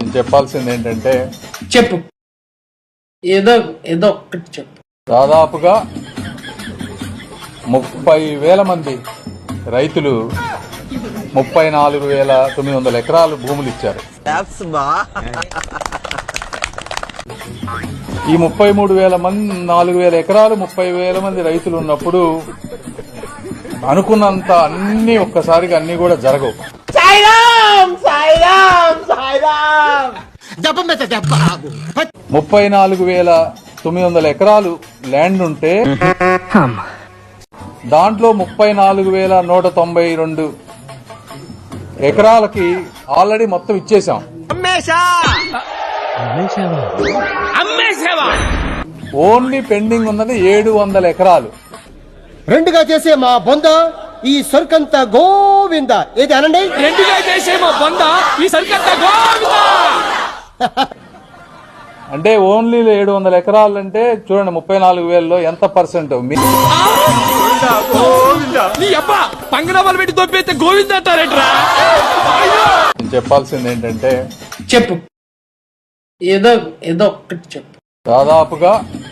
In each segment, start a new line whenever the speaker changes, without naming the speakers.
నేను చెప్పాల్సింది ఏంటంటే
చెప్పు, ఏదో ఏదో ఒక్కటి చెప్పు.
దాదాపుగా 30,000 మంది రైతులు 34,900 ఎకరాలు భూములు ఇచ్చారు. ఈ 4,000 ఎకరాలు 30,000 మంది రైతులు ఉన్నప్పుడు అనుకున్నంత అన్ని ఒక్కసారిగా అన్ని కూడా జరగవు. 34,900 ఎకరాలు ల్యాండ్ ఉంటే దాంట్లో 34,192 ఎకరాలకి ఆల్రెడీ మొత్తం ఇచ్చేసాం. ఓన్లీ పెండింగ్ ఉన్నది 700 ఎకరాలు.
రెండుగా చేసే మా బొంద ఈ సరుకంత గోవింద ఏది అనండి.
రెండుగా చేసే మా బొంద ఈ సరుకంత గోవింద.
అంటే ఓన్లీ 700 ఎకరాలు అంటే చూడండి 34,000లో ఎంత పర్సెంట్.
నీ అబ్బా పంగనామాలు పెట్టి దొబ్బైతే గోవింద అంటారేట్రా.
నేను చెప్పాల్సింది ఏంటంటే
చెప్పు, ఏదో ఏదో ఒక్కటి చెప్పు.
దాదాపుగా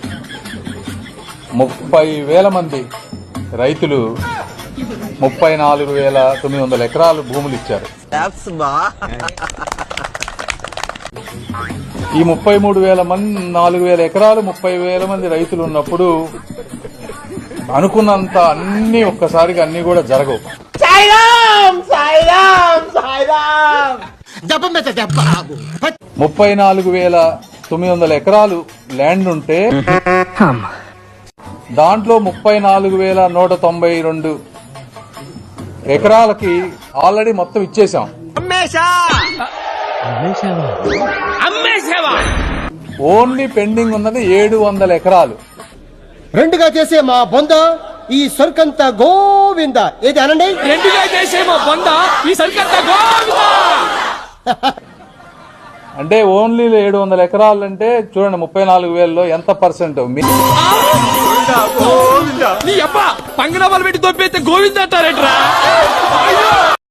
30,000 మంది రైతులు 34,900 ఎకరాలు భూములు ఇచ్చారు. ఈ 33,000 ఎకరాలు 30,000 మంది రైతులు ఉన్నప్పుడు అనుకున్నంత అన్ని ఒక్కసారిగా అన్ని కూడా జరగవు. 34,900 ఎకరాలు ల్యాండ్ ఉంటే దాంట్లో 34,192 ఎకరాలకి ఆల్రెడీ మొత్తం ఇచ్చేసాం. ఓన్లీ పెండింగ్ ఉన్నది 700 ఎకరాలు.
రెండుగా చేసే మా బొంద ఈ సరుకంత గోవింద ఏది అనండి.
రెండుగా చేసే మా బొంద ఈ సరుకంత గోవింద.
అంటే ఓన్లీ 700 ఎకరాలు అంటే చూడండి 34,000లో ఎంత పర్సెంట్.
నీ అబ్బా పంగనామాలు పెట్టి దొబ్బైతే గోవింద అంటారేట్రా.